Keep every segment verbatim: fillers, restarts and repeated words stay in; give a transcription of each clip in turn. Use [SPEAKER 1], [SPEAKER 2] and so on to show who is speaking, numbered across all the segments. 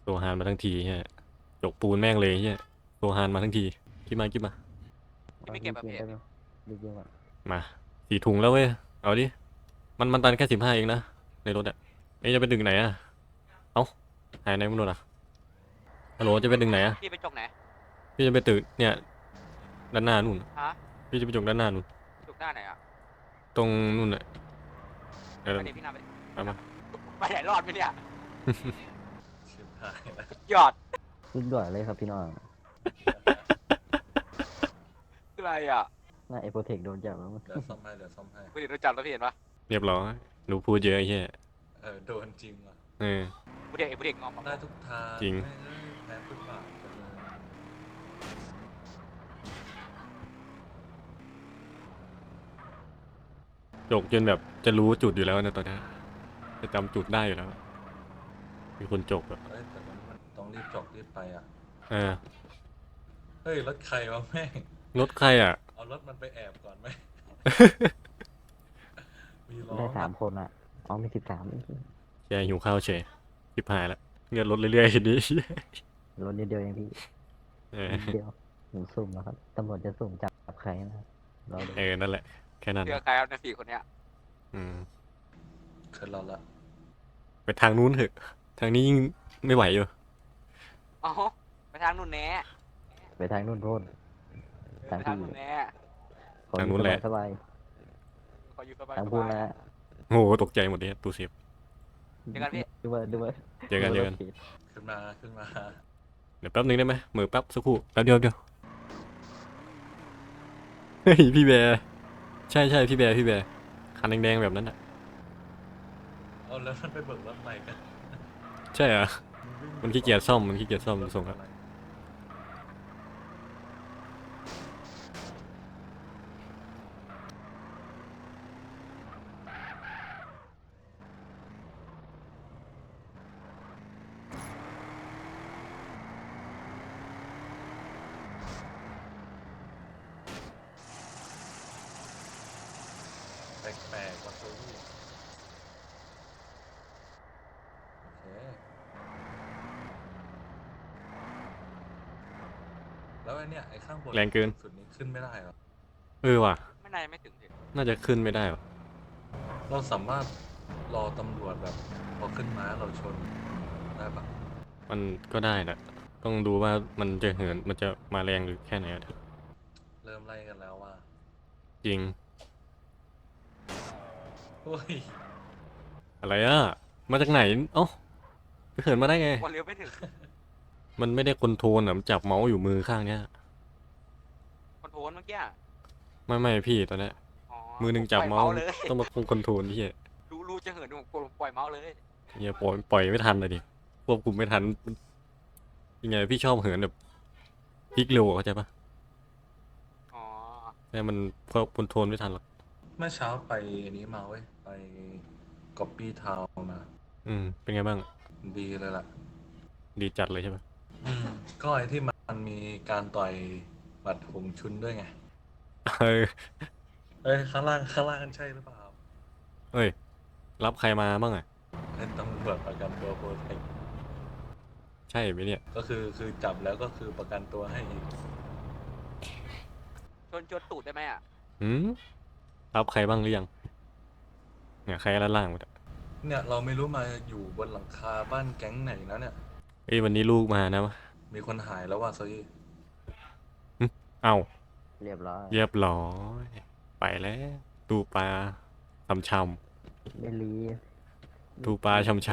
[SPEAKER 1] โซฮานมาทั้งทีเฮียจกปูนแม่งเลยเฮียโซฮานมาทั้งทีคิดมาคิดมา
[SPEAKER 2] ที่ไม่เก็บแบบเพจ
[SPEAKER 3] ได้ไหมรีบๆก่อน
[SPEAKER 1] มาสี่ถุงแล้วเว้ยเอาดิมันมันตันแค่สิบห้าเองนะในรถอะเอ้ยจะไปดึงไหนอะเอ้าหายไหนไม่รู้ล่ะฮัลโหลจะไปดึงไหนอะ
[SPEAKER 2] พี่ไปจกไหน
[SPEAKER 1] พี่จะไปตึกเนี่ยด้านหน้านู่น
[SPEAKER 2] ฮะ
[SPEAKER 1] พี่จะไปจกด้านหน้านู่น
[SPEAKER 2] จกหน้าไหนอ่ะ
[SPEAKER 1] ตรงนู่นอะเออ
[SPEAKER 2] ไปเดี๋ยวพี่นำไป
[SPEAKER 1] เอามา
[SPEAKER 2] ไปไหนรอดไหมเนี่ย
[SPEAKER 4] ชิบหายแล้ว
[SPEAKER 2] ยอด
[SPEAKER 3] รีบด่วนเลยครับพี่น้อง
[SPEAKER 2] คืออะไรอ่ะ
[SPEAKER 3] หน้าเอโปเทคโดนจับแล้วมั้ง
[SPEAKER 4] เดี๋ยวซ่อมให้เดี๋ยวซ่อมให้
[SPEAKER 2] คุณเห็นโดนจับแล้วพี่เห็นปะ
[SPEAKER 1] เรียบร้อยหนูพูดเยอะไอ้เฮีย
[SPEAKER 4] เออโดนจริงว่ะ
[SPEAKER 1] เออ
[SPEAKER 2] ผู้เด็กไอ้ผู้เด็กงอม
[SPEAKER 4] ได้ทุกทาง
[SPEAKER 1] จริง
[SPEAKER 4] แม่เอ้ยแพ้ฟุตบาทไปเลย
[SPEAKER 1] จกจนแบบจะรู้จุดอยู่แล้วนะตอนนี้จะจำจุดได้อยู่แล้วมีคนจกแบบ
[SPEAKER 4] เอ้ยแต่มันมันต้องรีบจบรีบไปอ่ะ
[SPEAKER 1] เออ
[SPEAKER 4] เฮ้ยรถใครวะแม่ง
[SPEAKER 1] รถใครอ่ะ
[SPEAKER 4] เอารถมันไปแอบก่อนไหม มีล้อ
[SPEAKER 3] ได้สามคนอ่ะอ๋อมีสิบสาม
[SPEAKER 1] แกหิวข้าวเฉยชิบหายแล้วเงินลดเรื่อยๆทีนี้
[SPEAKER 3] รถนิดเดียวเองพี่
[SPEAKER 1] เออ
[SPEAKER 3] นิดเดียวหนูสุ่มแล้วครับตำรวจจะสุ่มจับใครนะครับรอดู
[SPEAKER 1] เออนั่นแหละแค่นั้น
[SPEAKER 2] เจอใครครับในสี่คนเนี้ย
[SPEAKER 1] อืม
[SPEAKER 4] ขึ้นเราละ
[SPEAKER 1] ไปทางนู้นเถอะทางนี้ยิ่งไม่ไหวอยู่
[SPEAKER 2] อ๋อไปทางนู่นแน่
[SPEAKER 3] ไปทางนู่นโร่น
[SPEAKER 2] ไปทางนู่นแน่
[SPEAKER 3] ขออยู่สบายสบาย
[SPEAKER 2] ขออยู่สบาย
[SPEAKER 3] ทางพูนนะ
[SPEAKER 1] โอ้โหตกใจหมดเลยตูเซฟ
[SPEAKER 2] เจอกันพี่
[SPEAKER 3] ดูว่าดูว่า
[SPEAKER 1] เจอกันเจอกัน
[SPEAKER 4] ขึ้นมาขึ้นมา
[SPEAKER 1] เดี๋ยวแป๊บนึงได้ไหมมือแป๊บสักครู่แป๊บเดียวเดียวเฮ้ยพี่แบร์ใช่ใช่พี่แบร์พี่แบร์คันแดงๆแบบนั้นอ่ะ
[SPEAKER 4] เอาแล้วมันไปเบิกรถใหม่กัน
[SPEAKER 1] ใช่เหรอมันขี้เกียจซ่อมมันขี้เกียจซ่อมส่งครับ
[SPEAKER 4] แปลกๆว่ะโซวี่โอเคแล้วไอ้เนี่ยไอ้ข้างบน
[SPEAKER 1] แรงเกิน
[SPEAKER 4] สุดนี้ขึ้นไม่ได้เหรอ
[SPEAKER 1] เออว่ะ
[SPEAKER 2] ไม่นานไม่ถึงสิ
[SPEAKER 1] น่าจะขึ้นไม่ได้หรอ
[SPEAKER 4] เราสามารถรอตำรวจแบบพอขึ้นม้าเราชนได้ปะ
[SPEAKER 1] มันก็ได้แหละต้องดูว่ามันจะเหินมันจะมาแรงหรือแค่ไหนอะเถอะ
[SPEAKER 4] เริ่มไล่กันแล้วว่า
[SPEAKER 1] จริง
[SPEAKER 4] โอ้ย
[SPEAKER 1] อะไรอ่ะมาจากไหนเอ้าไปเหินมาได้ไง
[SPEAKER 2] วันเร็วไม่ถึง
[SPEAKER 1] มันไม่ได้คอนโทรลอ่ะมันจับเมาส์อยู่มือข้างเนี้ย
[SPEAKER 2] คอนโทรลเมื่อกี้
[SPEAKER 1] ไม่ไม่พี่ตอนเนี้ย
[SPEAKER 2] อ๋อ
[SPEAKER 1] มือหนึ่งจับ
[SPEAKER 2] ปล่อย
[SPEAKER 1] เมาส์
[SPEAKER 2] เลย
[SPEAKER 1] ต้องมาคงคอนโทรลที่เหี้ย
[SPEAKER 2] รู้รู้จะเหินผมกดปล่อยเมาส์เลย
[SPEAKER 1] เหี้ยปล่อยปล่อยไม่ทันเลยดิควบคุมไม่ทันยังไงพี่ชอบเหินแบบพลิกเร็วอะเข้าใจปะ
[SPEAKER 2] อ๋อ
[SPEAKER 1] แต่มันควบคอนโทรลไม่ทันหรอก
[SPEAKER 4] เมื่อเช้าไปอันนี้มาเว้ย ไปก๊อปปี้ทาวมา
[SPEAKER 1] อืมเป็นไงบ้าง
[SPEAKER 4] ดีเลยล่ะ
[SPEAKER 1] ดีจัดเลยใช่ปะ
[SPEAKER 4] อืมก็ไอที่มันมีการต่อยบัตรหงชุนด้วยไง
[SPEAKER 1] เออ
[SPEAKER 4] เอ้ย ข้างล่างข้างล่างใช่หรือเปล่า
[SPEAKER 1] เอ้ยรับใครมาบ้างอ่ะ
[SPEAKER 4] เป็นตำรวจประกันตัวโปรเทค
[SPEAKER 1] ใช่ไหมเนี่ย
[SPEAKER 4] ก็คือคือจับแล้วก็คือประกันตัวให้อีก
[SPEAKER 2] ชนชนตูดได้ไหมอ่ะ
[SPEAKER 1] หืมรับใครบ้างหรือยังเนี่ยใครด้านล่างหมดอะ
[SPEAKER 4] เนี่ยเราไม่รู้มาอยู่บนหลังคาบ้านแก๊งไหนนะเนี่ย
[SPEAKER 1] เอ้ยวันนี้ลูกมานะวะ
[SPEAKER 4] มีคนหายแล้วว่ะโซยี่
[SPEAKER 1] เอ้า
[SPEAKER 3] เรียบร้อย
[SPEAKER 1] เรียบร้อยไปแล้วตูปลาชำช
[SPEAKER 3] ไม่รี
[SPEAKER 1] ำตูปลาชำช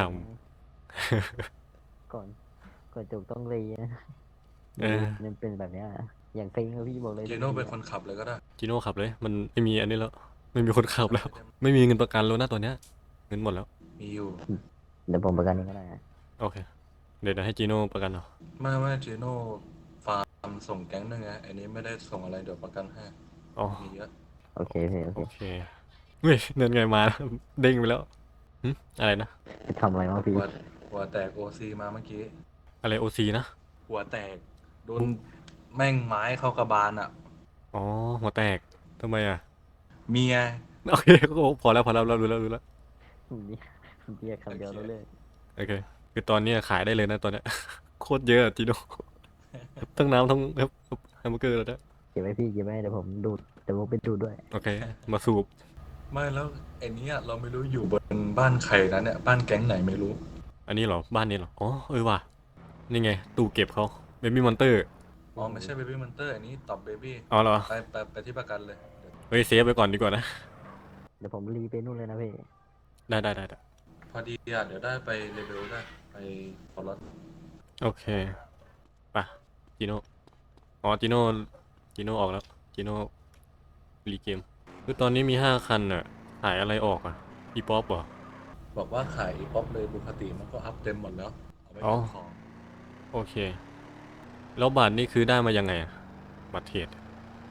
[SPEAKER 3] ก่อนก่อนจบต้องรีนะ
[SPEAKER 1] ำเออ
[SPEAKER 3] มันเป็นแบบเนี้ยอย่างฟิงครับพี่บอกเลย
[SPEAKER 4] เจโน่เป็นคนขับเลยก็ได้
[SPEAKER 1] จิโน่ขับเลย มันไม่มีอันนี้แล้ว ไม่มีคนขับแล้ว ไม่มีเงินประกันแล้วนะตอนเนี้ยเงินหมดแล้ว
[SPEAKER 4] มีอยู่
[SPEAKER 3] เดี๋ยวผมประกันเองก็ได้นะ
[SPEAKER 1] โอเค เดี๋ยวเดี๋ยวให้จิโน่ประกันเหรอ
[SPEAKER 4] ไม่ไม่เจโน่ฟาร์มส่งแก๊งนึงไงอันนี้ไม่ได้ส่งอะไรเดี๋ยวประกันให้
[SPEAKER 1] อ๋อ
[SPEAKER 4] มีเยอะ
[SPEAKER 3] โอเคพี่โอเค
[SPEAKER 1] โอเคเฮ้ยเงินไงมา เด้งไปแล้วหึอะไรนะ
[SPEAKER 3] ไปทำอะไรมาพี่
[SPEAKER 4] หัวหัวแตกโอซีมาเมื่อกี้
[SPEAKER 1] อะไรโอซีนะ
[SPEAKER 4] หัวแตก โดนแม่งไม้เข้ากระบาลอ่ะ
[SPEAKER 1] อ๋อหัวแตกทำไมอ่ะ
[SPEAKER 4] เมีย
[SPEAKER 1] โอเคก็พอแล้วพอแล้วเรารู้แล้วรู้แล้ว
[SPEAKER 3] ผมเรียกผมเรียกคำเดียวแล้วเลย
[SPEAKER 1] โอเค คืคือตอนเนี้ยขายได้เลยนะตอนเนี้ย โคตรเยอะอะจีโน่ ทั้งน้ำทั้งแฮมแฮมเบอร์เกอร์แล้วนะ
[SPEAKER 3] เก็บไว้พี่เก็บไว้เดี๋ยวผมดูดเดี๋ยวผมไปดูดด้วย
[SPEAKER 1] โอเค มาสูบ
[SPEAKER 4] ไม่แล้วไอ้เนี้ยเราไม่รู้อยู่บนบ้านใครนะเนี่ยบ้านแก๊งไหนไม่รู้
[SPEAKER 1] อันนี้เหรอ บ้านนี้เหรอ อ๋อ เออว่ะ นี่ไง ตู้เก็บเขาเบบี้มอนเตอร์
[SPEAKER 4] อ๋อไม่ใช่เบบี้มันเตอร์อันนี้ตอบเบบี้
[SPEAKER 1] อ๋อเหรอ
[SPEAKER 4] ไปไปไปที่ประกันเลยเดี๋ยว
[SPEAKER 1] เฮ้ยเซฟไปก่อนดีกว่านะ
[SPEAKER 3] เดี๋ยวผมรีไปนู่นเลยนะพี่
[SPEAKER 1] ได้ได้ได้ได้
[SPEAKER 4] พอดีอ่ะเดี๋ยวได้ไปเลเวลได้ไปฟอร์ด
[SPEAKER 1] โอเคไปะจีโน่อ๋อจีโน่จีโน่ออกแล้วจีโน่รีเกมคือตอนนี้มีห้าคันอ่ะขายอะไรออกอ่ะอีป๊อปเหรอ
[SPEAKER 4] บอกว่าขายอีป๊อปเลยปกติมันก็อัพเต็มหมดแล้วเอาไป
[SPEAKER 1] อ๋อ
[SPEAKER 4] เก็บของ
[SPEAKER 1] โอเค แล้วบัตรนี่คือได้มายังไงอะบัตรเทรด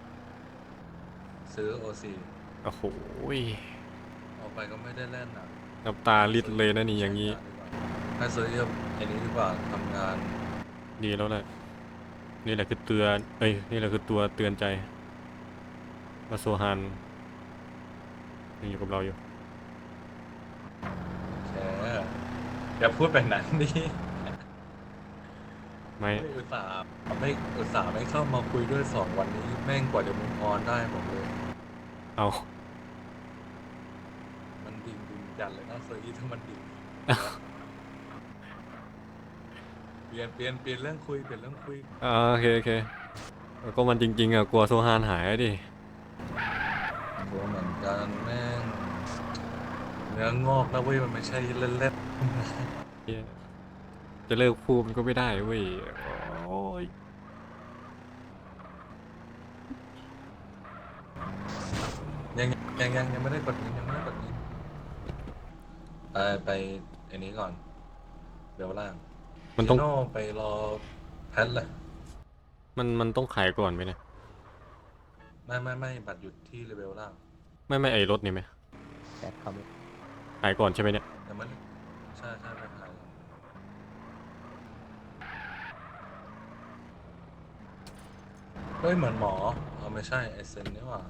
[SPEAKER 4] ซื้อโอซี
[SPEAKER 1] โอ้โหย
[SPEAKER 4] เอาไปก็ไม่ได้เล่นอ่ะ
[SPEAKER 1] น้ำตาลิดเลยนะนี่อย่างนี้
[SPEAKER 4] ให้ซื้อเยอะอันนี้ดีกว่าทำงาน
[SPEAKER 1] ดีแล้วแหละนี่แหละคือเตือนเอ้ยนี่แหละคือตัวเตือนใจมาโซฮานยังอยู่กับเราอยู่
[SPEAKER 4] แชร์อย่าพูดแบบนั้นดิ
[SPEAKER 1] ไม่
[SPEAKER 4] ไม่อุตส่าห์ไม่อุตส่าห์ไม่เข้ามาคุยด้วยสองวันนี้แม่งกว่าจะมุงออนได้ผมเลย
[SPEAKER 1] เอา
[SPEAKER 4] มันดิ่งดิ่งจัดเลยนะเซอร์อีถ้ามันดิ่งเปลี่ยนเปลี่ยนเปลี่ยนเรื่องคุยเปลี่ยนเรื่องคุย
[SPEAKER 1] อ่าโอเคโอเคแล้วก็มันจริงๆอ่ะกลัวโซฮานหายอะดิ
[SPEAKER 4] กลัวเหมือนกันแม่งเนื้องอกนะเว้ยมันไม่ใช่เล่น
[SPEAKER 1] เหี้ยจะเลิกพูดมันก็ไม่ได้เว้ยโอ้ย
[SPEAKER 4] ๆยังยังยังยังไม่ได้กดยินยังไม่ได้กดยินไปไปอันนี้ก่อนเดี๋ยวล่าง
[SPEAKER 1] มันต้อง
[SPEAKER 4] จิโน่ไปรอแพทเลย
[SPEAKER 1] มันมันต้องขายก่อนไหมเนี่ย
[SPEAKER 4] ไม่ไม่ไม่บัตรหยุดที่เลเวลล่าง
[SPEAKER 1] ไม่ไม่ไอรถนี่ไหม
[SPEAKER 3] แปดครับ
[SPEAKER 1] ขายก่อนใช่ไหมเนี่ย
[SPEAKER 4] ยังไม่ใช่ใช่ไม่ขายเฮ้ยเหมือนหมอเอาไม่ใช่ไอเซนนี่หว่า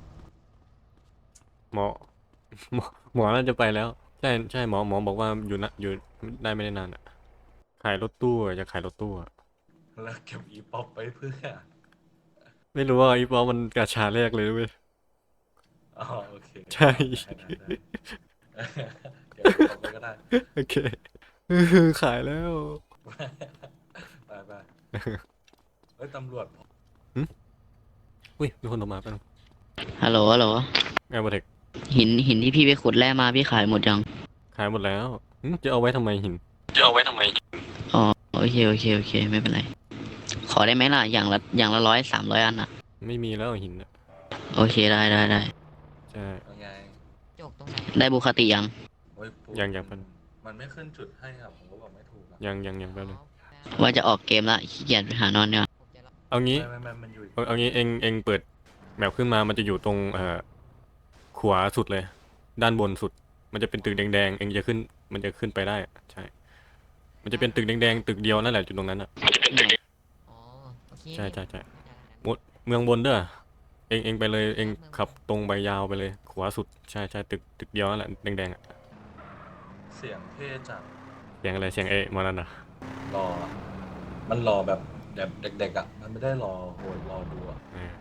[SPEAKER 1] หมอ หมอหมอน่าจะไปแล้วใช่ใช่หมอหมอบอกว่าอยู่นะอยู่ได้ไม่ได้นานอ่ะขายรถตู้อะจะขายรถตู้อะ
[SPEAKER 4] แล้วเก็บอีป๊อปไปเพื่อ
[SPEAKER 1] ไม่รู้ว่าอีปอมันกาชาแรกเลยเว้ย
[SPEAKER 4] อ๋อโอเค
[SPEAKER 1] ใช่
[SPEAKER 4] ได้ได้ได้เก็บอีป๊อปไปก็ได้
[SPEAKER 1] โอเค ขายแล้ว
[SPEAKER 4] ไปไปเฮ้ยตำรวจ
[SPEAKER 1] อุ้ยมีคนโทรมาแป๊บนึง
[SPEAKER 5] ฮัลโหลฮัลโหล
[SPEAKER 1] แอร์บอเทค
[SPEAKER 5] หินหินที่พี่ไปขุดแร่มาพี่ขายหมดยัง
[SPEAKER 1] ขายหมดแล้วหึจะเอาไว้ทำไมหิน
[SPEAKER 5] อ๋อโอเคโอเคโอเคไม่เป็นไร ขอได้ไหมล่ะอย่างละอย่างละร้อยสามร้อยอันอ่ะ
[SPEAKER 1] ไม่มีแล้วหินอะ
[SPEAKER 5] โอเคได้ได้ได้
[SPEAKER 1] ใช่
[SPEAKER 4] ยังไง
[SPEAKER 5] ได้บุคติยัง
[SPEAKER 4] โอ้ยปู
[SPEAKER 1] ยังยังเป็น
[SPEAKER 4] มันไม่ขึ้นจุดให้อ่ะผมก็บอกไม่ถูกอ่ะ
[SPEAKER 1] ยังยังยังแป๊บนึง
[SPEAKER 5] ว่าจะออกเกมละขี้เกียจไปหานอนเนี่ย
[SPEAKER 1] เอางี้
[SPEAKER 4] ไม่ไม่ไม่มันอยู่อีก
[SPEAKER 1] เอาเอางี้เองเองเปิดแมปขึ้นมามันจะอยู่ตรงเอ่อขวาสุดเลย ด้านบนสุด มันจะเป็นตึกแดงๆเองจะขึ้น มันจะขึ้นไปได้อะใช่ มันจะเป็นตึกแดงๆตึกเดียวนั่นแหละจุดตรงนั้นอ่ะ
[SPEAKER 6] อ๋อโอเค
[SPEAKER 1] ใช่ใช่ใช่ หมดเมืองบนเด้อเองเองไปเลยเองขับตรงไปยาวไปเลย ขวาสุดใช่ใช่ตึกตึกเดียวนั่นแหละแดงๆอ่ะ
[SPEAKER 4] เสียงเท่จัด
[SPEAKER 1] เสียงอะไรเสียงเอะมานั่นอ่ะ
[SPEAKER 4] รออะมันรอแบบแบบเด็กๆอ่ะมันไม่ได้รอโหดรอดูอ่ะ
[SPEAKER 1] เออ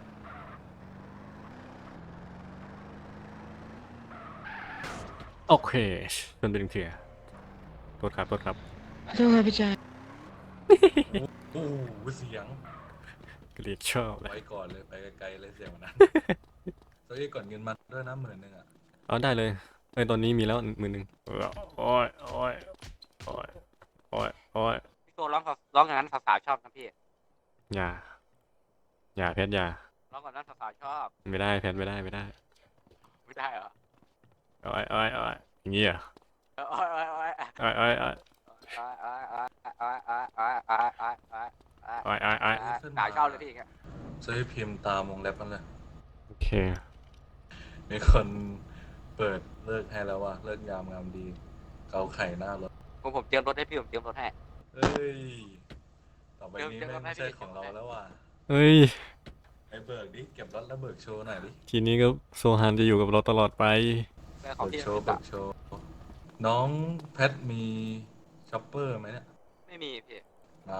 [SPEAKER 1] โอเคจนเป็นเถื่อโทษครับโทษครับ
[SPEAKER 6] ขอโทษครับพี่ชาย
[SPEAKER 4] โอ้โหเสียง
[SPEAKER 1] เกลียดชอบเลย
[SPEAKER 4] ไว้ก่อนเลยไปไกลๆเลยเสียงวันนั้นโซอี้ก่อนเงินมาด้วยนะหมื่นหนึ่งอ่ะ
[SPEAKER 1] เอาได้เลยเอ้ยตอนนี้มีแล้วมือหนึ่งเออโอ้ยโอ้ยโอ้ยโอ้ยโอ้ย
[SPEAKER 2] พี่โตร้องกับร้องอย่างนั้นสาวๆชอบนะพี่
[SPEAKER 1] อย่าอย่าแพทอย่า
[SPEAKER 2] ร้องกับนั้นสาวๆชอบ
[SPEAKER 1] ไม่ได้แพทไม่ได้ไม่ได้
[SPEAKER 2] ไม่ได้เหรอ
[SPEAKER 1] โอ้ยโอ้ยโอ้ยอย่างงี้เหรอ่ะ
[SPEAKER 2] เออโอ้ยโอ้ยโอ้ย
[SPEAKER 1] โอ้ยโอ้ยโอ้ย
[SPEAKER 2] โอ้ยโอ้ยโอ้ยโอ้ยโอ้ยโอ้ยโอ้ยโอ้ยโอ้ย
[SPEAKER 1] โอ้ยโอ้ยโอ้ย
[SPEAKER 2] สาวชอบเลยพี่อย่างเงี้ย
[SPEAKER 4] โซอี้พิมพ์ตามวงเล็บมันเลย
[SPEAKER 1] โอเค
[SPEAKER 4] มีคนเปิดเลิกให้แล้วว่าเลิกยามงามดี เกาไข่หน้ารถ
[SPEAKER 2] ผมผมเตรียมรถให้พี่ผมเตรียมรถให้
[SPEAKER 4] เฮ้ย ต่อไปนี้
[SPEAKER 2] เดี๋ยว
[SPEAKER 4] แม่งไม่ใช่
[SPEAKER 2] เดี๋ยว
[SPEAKER 4] ของเราแล้วว่ะ
[SPEAKER 1] เฮ้ย
[SPEAKER 4] ไอ้เบิกดิ เก็บรถแล้วเบิกโชว์หน่อยดิ
[SPEAKER 1] ทีนี้ก็โซฮานจะอยู่กับเราตลอดไป
[SPEAKER 2] แม่ของ
[SPEAKER 4] เบิก
[SPEAKER 2] พี่
[SPEAKER 4] โชว์
[SPEAKER 2] พี่
[SPEAKER 4] เบิกโชว์ น้องแพทมีช็อปเปอร์ไหมเนี่ย
[SPEAKER 2] ไม่มีพี่
[SPEAKER 4] เอา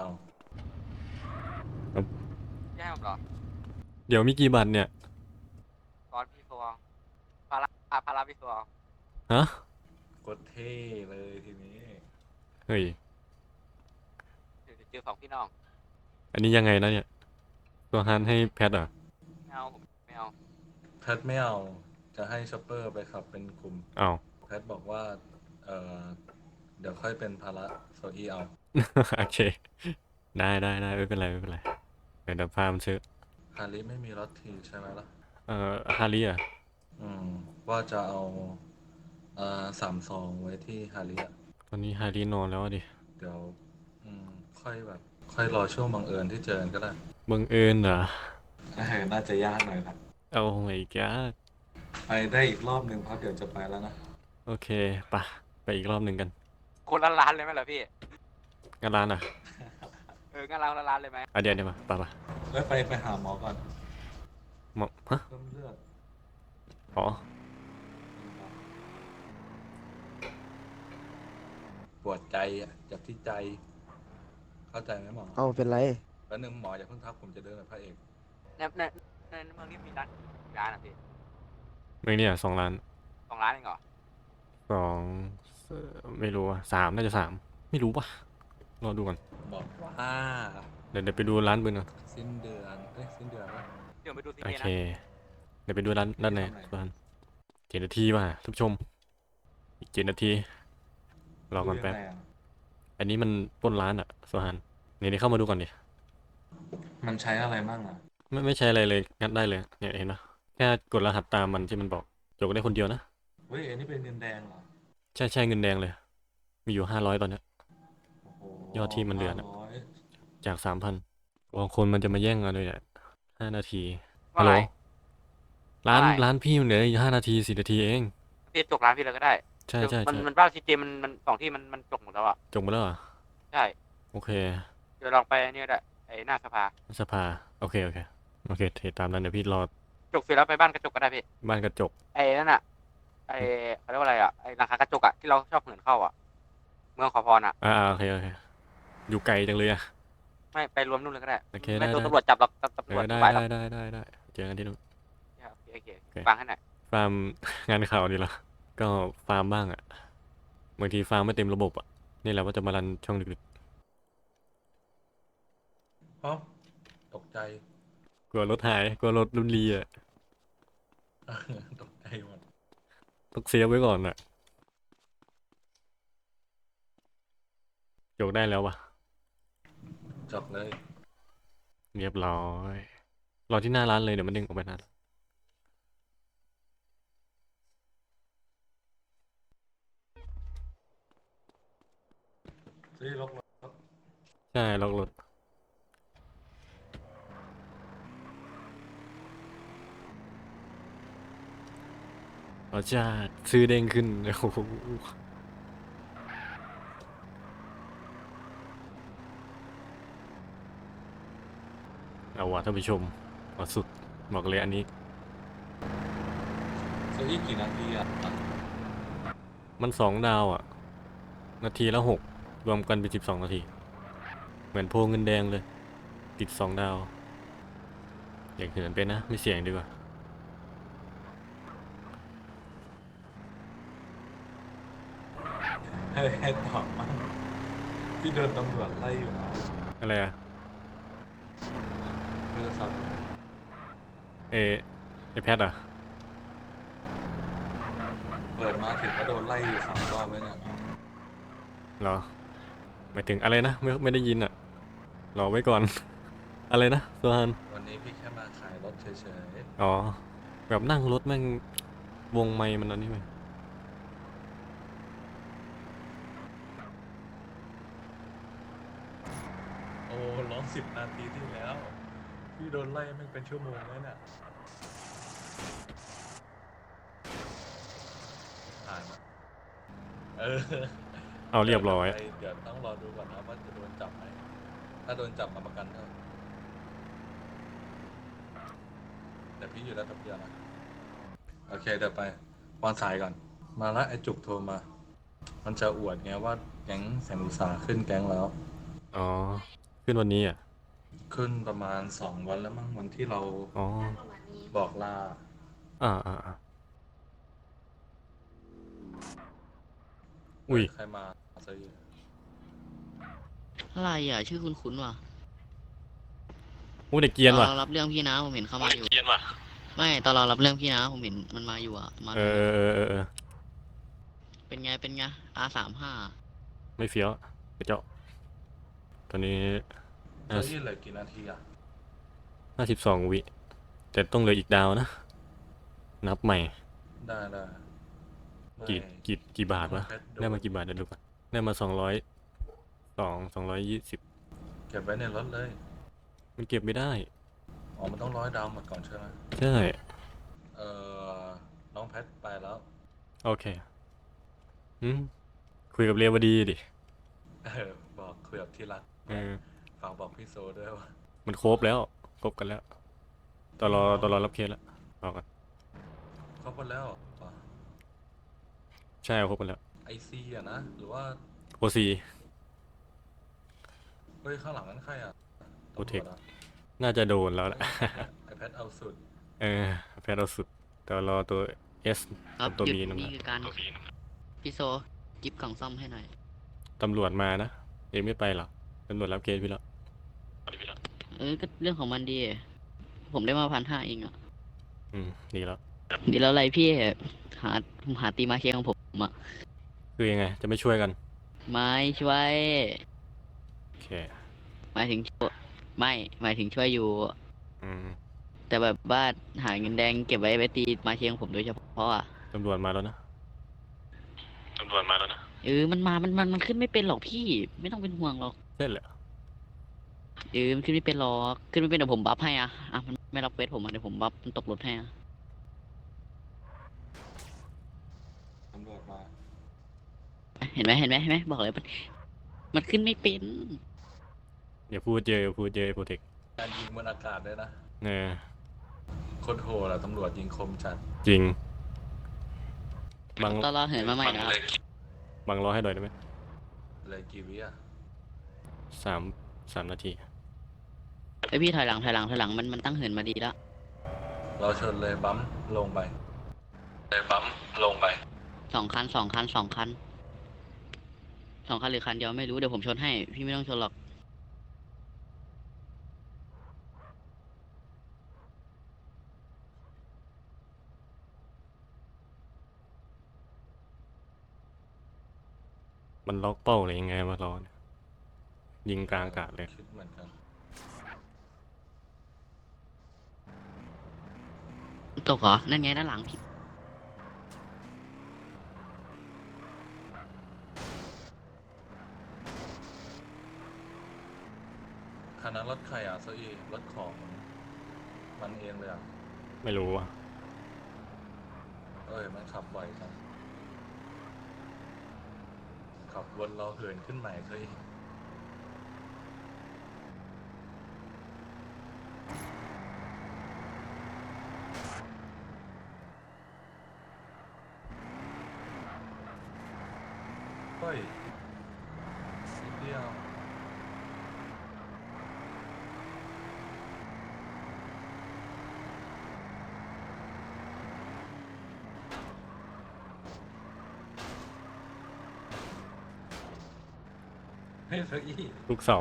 [SPEAKER 2] แย่ผมเหรอ
[SPEAKER 1] เดี๋ยวมีกี่บัตรเนี่ย
[SPEAKER 2] ตอนพี่ฟองพาราอ่ะพาราพี่ฟอง
[SPEAKER 1] ฮะ
[SPEAKER 4] กดเท่เลยทีนี้
[SPEAKER 1] เฮ้ย
[SPEAKER 2] เดี๋ยวเจอสองพี่น้อง
[SPEAKER 1] อันนี้ยังไงนะเนี่ยตัวฮันให้แพทเหรอ
[SPEAKER 2] ไม่เอาผมไม่เอา
[SPEAKER 4] แพทไม่เอาจะให้ช็อปเปอร์ไปขับเป็นกลุ่ม
[SPEAKER 1] อ้าว
[SPEAKER 4] แพทบอกว่า เออเดี๋ยวค่อยเป็นภาระโซอีเอา
[SPEAKER 1] โอเค ได้ได้ได้ไม่เป็นไรไม่เป็นไรเดี๋ยวพามันซื้อ
[SPEAKER 4] ฮาริไม่มีรถทีใช่ไหมล่ะ
[SPEAKER 1] เอ่อฮาริอ่ะ
[SPEAKER 4] อืม ว่าจะเอาเอ่อสามซองไว้ที่ฮาริอะ
[SPEAKER 1] ตอนนี้ฮารินอนแล้วอะดิ
[SPEAKER 4] เดี๋ยว อืม ค่อยแบบ ค่อยรอช่วงบังเอิญที่เจอกันก็ได้
[SPEAKER 1] บังเอิญเหรอ
[SPEAKER 4] เออน่าจะยากหน่อยครับ
[SPEAKER 1] เอาไงแก
[SPEAKER 4] ไปได้อีกรอบหนึ่งเพราะเดี๋ยวจะไปแล้วนะ
[SPEAKER 1] โอเคปะไปอีกรอบหนึ่งกัน
[SPEAKER 2] คนละร้านเลยไหมล่ะพี่
[SPEAKER 1] งานร้านอ่ะ
[SPEAKER 2] เอองั้นเราคนละร้านเลยไหม
[SPEAKER 1] อ่ะเดี๋ยวเดี๋ยวมาปะปะ
[SPEAKER 4] แล้วไปไปหาหมอก่อน
[SPEAKER 1] หมอฮะ
[SPEAKER 4] เพิ่มเลือด
[SPEAKER 1] อ๋อ
[SPEAKER 4] ปวดใจอ่ะเจ็บที่ใจ เข้าใจไหมหมอ
[SPEAKER 6] เอาเป็นไร
[SPEAKER 4] แล้วหนึ่งหมออย่าเพิ่งทักผมจะเดินกับพระเอก
[SPEAKER 2] ในในในเมืองนี้มีร้านกี่ร้านอ่ะพี่
[SPEAKER 1] เมื่อเนี่ยสองล้าน
[SPEAKER 2] สองร้านเองเหรอ
[SPEAKER 1] สองเอ่อไม่รู้อ่ะสามน่าจะสามไม่รู้ปะรอดูก่อน
[SPEAKER 4] บอกว่า
[SPEAKER 1] เดี๋ยวเดี๋ยวไปดูร้านปืนก่อน
[SPEAKER 4] สิ้นเดือนเอ้ยสิ้นเดือนวะ
[SPEAKER 2] เดี๋ยวไปดูซี
[SPEAKER 1] โอ
[SPEAKER 2] เจ
[SPEAKER 1] เค
[SPEAKER 2] นะ
[SPEAKER 1] เดี๋ยวไปดูร้านด้านใน
[SPEAKER 4] ทำไม
[SPEAKER 1] ร้านเจ็ดนาทีว่ะท่านผู้ชม อีกเจ็ดนาทีรอก่อนแป๊บ
[SPEAKER 4] ดูยังไงอะ
[SPEAKER 1] อันนี้มันปล้นร้านอ่ะโซฮันนี่นี่เข้ามาดูก่อนดิ
[SPEAKER 4] มันใช้อะไรมั่งอ่ะ
[SPEAKER 1] ไม่ไม่ใช่อะไรเลยงัดได้เลยเนี่ยเห็นปะแค่กดรหัสตามมันที่มันบอกจกได้คนเดียวนะ
[SPEAKER 4] เฮ้ยอันนี้เป็นเงินแดงเหรอ
[SPEAKER 1] ใช่ใช่เงินแดงเลย มีอยู่ห้าร้อยตอนเนี้ย
[SPEAKER 4] โอ้โห
[SPEAKER 1] ยอดที่มันเหลือน่ะ
[SPEAKER 4] ห้าร้อย
[SPEAKER 1] จากสามพันบางคนมันจะมาแย่งกันเลยแหละห้านาที
[SPEAKER 2] ว่า
[SPEAKER 1] ฮัลโหล
[SPEAKER 2] ไง
[SPEAKER 1] ร้าน
[SPEAKER 2] ว่าไง
[SPEAKER 1] ร้านพี่มันเหลืออยู่ห้านาทีสี่นาทีเอง
[SPEAKER 2] พี่จกร้านพี่เลยก็ได้
[SPEAKER 1] ใช่ใช่
[SPEAKER 2] มัน
[SPEAKER 1] ใช่
[SPEAKER 2] มันบ้านซีเจมันมันสองที่มันมันจกหมดแล้วอ่ะ
[SPEAKER 1] จบมาแล้วเหรอ
[SPEAKER 2] ใช่
[SPEAKER 1] โอเค
[SPEAKER 2] เดี๋ยวลองไปเนี่ยได้ไอ้หน้าสภา
[SPEAKER 1] สภาโอเคโอเคโอเคเทตามนั้นเดี๋ยวพี่รอ
[SPEAKER 2] จกเสร็จแล้วไปบ้านกระจกก็ได้พี่
[SPEAKER 1] บ้านกระจก
[SPEAKER 2] ไอ้นั่นอ่ะ ไอ้เขาเรียกว่าอะไรอ่ะ ไอ้ราคากระจกอ่ะที่เราชอบเหินเข้าอ่ะ เมืองขอพรอ่ะ
[SPEAKER 1] อ่าอ่าโอเคโอเคอยู่ไกลจังเลยอะ
[SPEAKER 2] ไม่ไปรวมนู่นเลยก็ได้
[SPEAKER 1] โอเค
[SPEAKER 2] ไม่
[SPEAKER 1] ได้
[SPEAKER 2] โดน
[SPEAKER 1] ได้
[SPEAKER 2] ตำรวจจับหรอกตำ
[SPEAKER 1] เอ
[SPEAKER 2] รวจ
[SPEAKER 1] อได้
[SPEAKER 2] ไปหรอก
[SPEAKER 1] ได้ได้ได้ได้เจอกันที่นู่น
[SPEAKER 2] โอเคโอเค
[SPEAKER 1] โอเค
[SPEAKER 2] ฟังให้หน่อย
[SPEAKER 1] ฟาร์ม งานข่าวนี่เหรอก็ฟาร์มบ้างอะบางทีฟาร์มไม่เต็มระบบอะนี่แหละว่าจะมารันช่องดึก
[SPEAKER 4] เอ้าตกใจ
[SPEAKER 1] ๆกลัวรถหายกลัวรถรุ่นรีอะ
[SPEAKER 4] ตกใจหมด
[SPEAKER 1] ต้องเซฟไว้ก่อนอะจกได้แล้ววะ
[SPEAKER 4] จบเลย
[SPEAKER 1] เรียบร้อยรอที่หน้าร้านเลยเดี๋ยวมันดึงออกไปหน้าร้าน
[SPEAKER 4] ซื้อรถรถ
[SPEAKER 1] ใช่ล็อกรถเราจะซื้อเด้งขึ้น โอ้โหเอาว่ะท่านผู้ชมเอาสุดบอกเลยอันนี้
[SPEAKER 4] ซื้ออีกกี่นาทีอ่ะ
[SPEAKER 1] มันสองดาวอ่ะ นาทีละหกรวมกันเป็นสิบสองนาที เหมือนโพเงินแดงเลย ติดสองดาว อย่างเหินเป็นนะ ไม่เสี่ยงดีกว่า
[SPEAKER 4] ให้ให้ตอบมั่งที่โดนตำรวจไล่อยู่นะ
[SPEAKER 1] อะไรอ่ะ
[SPEAKER 4] โทรศัพท์
[SPEAKER 1] เอไอแพดอ่ะ
[SPEAKER 4] เปิดมาถึงก็โดนไล่อยู่สามรอบแล้วเนี่ย
[SPEAKER 1] เหรอหมายถึงอะไรนะ ไม่ไม่ได้ยินอ่ะ รอไว้ก่อน อะไรนะโซฮัน
[SPEAKER 4] วันนี้พี่แค่มาขายรถเฉย
[SPEAKER 1] อ๋อ แบบนั่งรถแม่งวงไมค์มันอันนี้ไหม
[SPEAKER 4] ๆ โอ้ร้องสิบนาทีที่แล้ว พี่โดนไล่ไม่งเป็นชั่วโมงแล้วเนี่ยผ่านมาเออ
[SPEAKER 1] เอาเรียบร้อย
[SPEAKER 4] เดี๋ยวต้องรอดูก่อนนะว่าจะโดนจับไหม ถ้าโดนจับมาประกันเท่าแต่พี่อยู่แล้วตับเดียวนะ โอเคเดี๋ยวไปวางสายก่อน มาละไอจุกโทรมา มันจะอวดไงว่าแก๊งแสงอุตสาหขึ้นแก๊งแล้ว
[SPEAKER 1] อ๋อ ขึ้นวันนี้อ่ะ
[SPEAKER 4] ขึ้นประมาณสองวันแล้วมั้งวันที่เรา
[SPEAKER 1] อ๋อ
[SPEAKER 4] บอกลา
[SPEAKER 1] อ่าอ่าอ่าอุ้ย
[SPEAKER 4] ใครมาซื้อ
[SPEAKER 5] อะไรอ่ะ ชื่อคุณคุ้นๆว่ะ
[SPEAKER 1] อู้เด็กเกรียนว่ะ
[SPEAKER 5] ตอนเรารับเรื่องพี่นะผมเห็นเข้ามาอยู่ไม่ตอนเรารับเรื่องพี่นะผมเห็นมันมาอยู่อ่ะมา
[SPEAKER 1] เออเออเออเออ
[SPEAKER 5] เป็นไงเป็นไง อาร์ สามห้า
[SPEAKER 1] ไม่เฟี้ยวกระเจาะตอนนี้
[SPEAKER 4] ซื้อเหลือกี่นาทีอ่ะ
[SPEAKER 1] ห้าสิบสองวิ แต่ต้องเหลืออีกดาวนะ นับใหม่
[SPEAKER 4] ได้ได้
[SPEAKER 1] กี่
[SPEAKER 4] ไม่
[SPEAKER 1] กี่กี่บาทวะ
[SPEAKER 4] เพชรโดน
[SPEAKER 1] ได้มากี่บาทเดี๋ยวดูก่อนได้มาสองร้อยสองสองร้อยยี่สิบ
[SPEAKER 4] เก็บไว้ในรถเลย
[SPEAKER 1] มันเก็บไม่ได้
[SPEAKER 4] อ๋อ มันต้องร้อยดาวหมดก่อนใช่ไหม
[SPEAKER 1] ใช่
[SPEAKER 4] เอ่อ น้องแพทไปแล้ว
[SPEAKER 1] โอเคอืมคุยกับเรียวดีดิ
[SPEAKER 4] เออ บอกคุยกับที่รัก
[SPEAKER 1] เออ
[SPEAKER 4] ฝากบอกพี่โซด้วยว่า
[SPEAKER 1] มันครบแล้ว ครบกันแล้วตอนรอตอนรอรับเคสแล้วบอกกัน
[SPEAKER 4] เขาหมดแล้วเหรอ
[SPEAKER 1] ใช่เอาครบกันแล้ว
[SPEAKER 4] ไอซีอะนะ หรือว่า
[SPEAKER 1] โอซี
[SPEAKER 4] เฮ้ย ข้างหลังนั้นใครอ่ะ
[SPEAKER 1] โอเทค
[SPEAKER 4] ตำรวจอะ
[SPEAKER 1] น่าจะโดนแล้วแหละ
[SPEAKER 4] ไอแพทเอาสุด
[SPEAKER 1] เออแพทย์เอาสุดแต่รอตัว S
[SPEAKER 5] ครับ
[SPEAKER 1] ตัว
[SPEAKER 5] หยุด
[SPEAKER 1] B นั่น
[SPEAKER 5] นี่
[SPEAKER 1] แหละ
[SPEAKER 5] คือการพี่โซกิฟกล่องซ่อมให้หน่อย
[SPEAKER 1] ตำรวจมานะ เองไม่ไปหรอตำรวจรับเคสพี่แล้ว
[SPEAKER 5] เออก็เรื่องของมันดี ผมได้มาพันห้าเองอ่ะ
[SPEAKER 1] อืมดีแล้ว
[SPEAKER 5] ดีแล้วอะไรพี่หาหาตีมาเคียงของผมอ่ะ
[SPEAKER 1] คือยังไง จะไม่ช่วยกัน
[SPEAKER 5] ไม่ช่วย
[SPEAKER 1] โอเค
[SPEAKER 5] หมายถึงช่วยไม่หมายถึงช่วยอยู่
[SPEAKER 1] อืม
[SPEAKER 5] แต่แบบว่าหาเงินแดงเก็บไว้ไปตีมาเชียงผมโดยเฉพาะอ่ะ
[SPEAKER 1] ตำรวจมาแล้วนะตำรวจมาแล้วนะ
[SPEAKER 5] เออมันมามันมันมันขึ้นไม่เป็นหรอกพี่ ไม่ต้องเป็นห่วงหรอก
[SPEAKER 1] เส้นเหรอ
[SPEAKER 5] เออมันขึ้นไม่เป็นหรอกขึ้นไม่เป็นเดี๋ยวผมบัฟให้อ่ะอ่ะมันไม่รับเวทผมอ่ะเดี๋ยวผมบัฟมันตกรถให้อ่ะ
[SPEAKER 4] ตำรวจมา
[SPEAKER 5] เห็นไหมเห็นไหมเห็นไหมบอกเลยมันมันขึ้นไม่เป็น
[SPEAKER 1] อย่าพูดเจออย่าพูดเจอโปรเทค
[SPEAKER 4] การยิงบนอากาศด้วยนะ
[SPEAKER 1] เออ
[SPEAKER 4] โคตรโหดอะตำรวจยิงคมจัด
[SPEAKER 1] จริง บัง
[SPEAKER 5] ตอนเราเหินมาใหม่นะครับ
[SPEAKER 1] บังรอให้หน่อยได้ไหม
[SPEAKER 4] เลยกี่วิอะ
[SPEAKER 1] สามสามนาที
[SPEAKER 5] ไอยพี่ถอยหลังถอยหลังถอยหลังมันมันตั้งเหินมาดีแล้ว
[SPEAKER 4] เราชนเลยบัมลงไป เลยบัมลงไป
[SPEAKER 5] สองคันสองคันสองคันสองคันหรือคันเดียวไม่รู้เดี๋ยวผมชนให้ พี่ไม่ต้องชนหรอก
[SPEAKER 1] มันล็อกเป้าเลยยังไงวะรอเนี่ยยิงกลางอากาศเลย
[SPEAKER 4] คิดเหมือนกัน
[SPEAKER 5] ตกเหรอ นั่นไงด้านหลังพี่
[SPEAKER 4] คันนั้นรถใครอะโซอีรถของมันเองเลยอะ
[SPEAKER 1] ไม่รู้อ่ะ
[SPEAKER 4] เอ้ย มันขับไหวจังขับวนเราเหินขึ้นใหม่โซอีเฮ้ยนิดเดียว เฮ้ยโซอี
[SPEAKER 1] ลูกเสา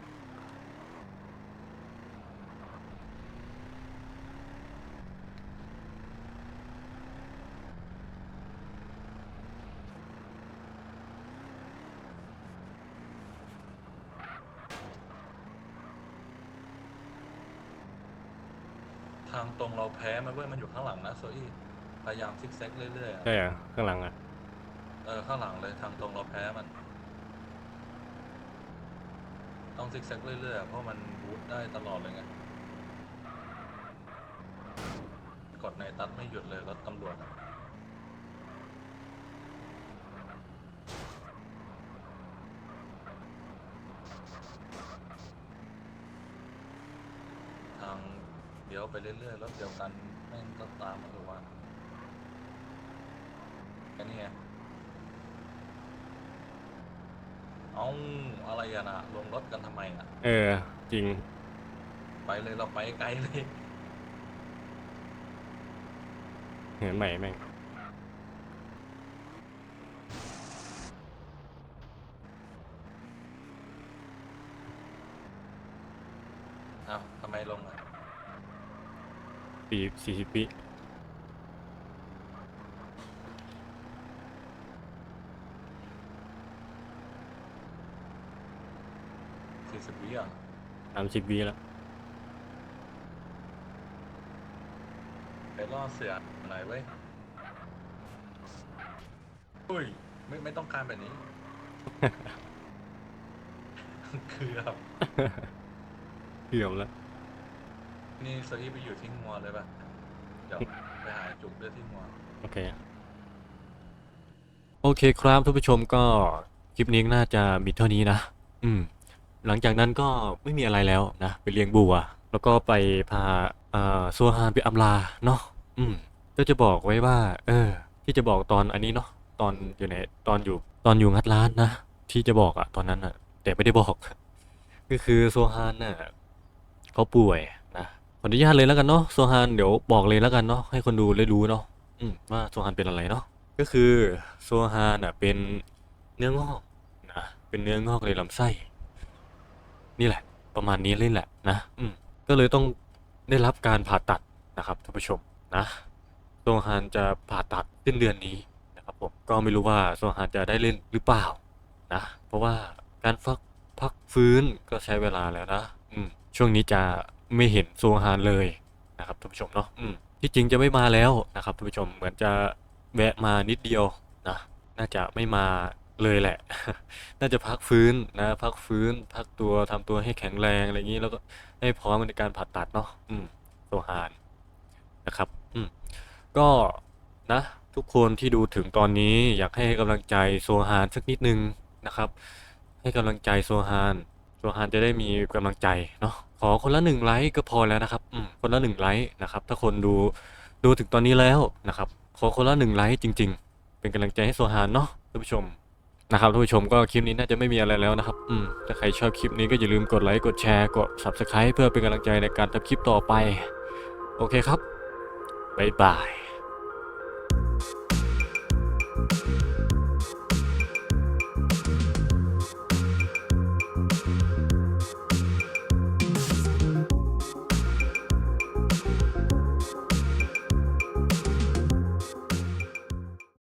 [SPEAKER 4] ทางตรงเราแพ้มันเว้ยมันอยู่ข้างหลังนะโซอี้พยายามซิกแซกเรื่อยๆอะ
[SPEAKER 1] ใช่อ่ะข้างหลังอ่ะ
[SPEAKER 4] เออข้างหลังเลยทางตรงเราแพ้มัน ต้องซิกแซกเรื่อยๆอะเพราะมันบูทได้ตลอดเลยไงกดในตัดไม่หยุดเลยรถตำรวจอะทางเดี๋ยวไปเรื่อยๆรถเดียวกันแม่งก็ตามมาทุกวันแค่นี้ไงเอาอะไรอะนะลงรถกันทำไมอะ
[SPEAKER 1] เออ จริง
[SPEAKER 4] ไปเลยเราไปไกลเลย
[SPEAKER 1] เหินใหม่แม่ง
[SPEAKER 4] เอาทำไมลงอ่ะ
[SPEAKER 1] สี่สี่สิบปี
[SPEAKER 4] สี่สิบวิอ่ะ
[SPEAKER 1] สามสิบวิแล้ว
[SPEAKER 4] ไปล่อเสือหน่อยเว้ยอุ้ยไม่ไม่ต้องการแบบนี้ คือแบบ
[SPEAKER 1] เกือบแล้ว
[SPEAKER 4] นี่โซอี้ไปอยู่ที่งัวเลยป่ะ เดี๋ยวไปหาจุกเลือดที่งัว
[SPEAKER 1] โอเค โอเคครับท่านผู้ชมก็คลิปนี้น่าจะมีเท่านี้นะ อืม หลังจากนั้นก็ไม่มีอะไรแล้วนะ ไปเลี้ยงบัว แล้วก็ไปพาเอ่อซัวฮานไปอำลาเนาะ อืม ก็จะบอกไว้ว่า เออ ที่จะบอกตอนอันนี้เนาะ ตอนอยู่ในตอนอยู่ตอนอยู่งัดร้านนะ ที่จะบอกอะตอนนั้นอะแต่ไม่ได้บอก ก็คือโซฮานน่ะเขาป่วยนะขออนุญาตเลยแล้วกันเนาะโซฮานเดี๋ยวบอกเลยแล้วกันเนาะให้คนดูได้รู้เนาะอืมว่าโซฮานเป็นอะไรเนาะก็คือโซฮานน่ะเป็นเนื้องอกนะเป็นเนื้องอกในลำไส้ นี่แหละ ประมาณนี้เลยแหละนะอืมก็เลยต้องได้รับการผ่าตัดนะครับท่านผู้ชมนะโซฮานจะผ่าตัดสิ้นเดือนนี้นะครับผมก็ไม่รู้ว่าโซฮานจะได้เล่นหรือเปล่านะเพราะว่าการฟักพักฟื้นก็ใช้เวลาแล้วนะอืมช่วงนี้จะไม่เห็นโซฮานเลยนะครับท่านผู้ชมเนาะอืมที่จริงจะไม่มาแล้วนะครับท่านผู้ชมเหมือนจะแวะมานิดเดียวนะน่าจะไม่มาเลยแหละ น่าจะพักฟื้นนะพักฟื้นพักตัวทำตัวให้แข็งแรงอะไรอย่างนี้แล้วก็ให้พร้อมในการผ่าตัดเนาะอืมโซฮานนะครับอืมก็นะทุกคนที่ดูถึงตอนนี้อยากให้กำลังใจโซฮานสักนิดนึงนะครับ ให้กำลังใจโซฮานโซฮานจะได้มีกำลังใจเนาะขอคนละหนึ่งไลค์ก็พอแล้วนะครับอืมคนละหนึ่งไลค์นะครับ ถ้าคนดูดูถึงตอนนี้แล้วนะครับ ขอคนละหนึ่งไลค์จริง ๆ เป็นกำลังใจให้โซฮานเนาะท่านผู้ชมนะครับท่านผู้ชมก็คลิปนี้น่าจะไม่มีอะไรแล้วนะครับอืมถ้าใครชอบคลิปนี้ก็อย่าลืมกดไลค์กดแชร์กด ซับสไครบ์ เพื่อเป็นกำลังใจในการทำคลิปต่อไปโอเคครับบ๊ายบาย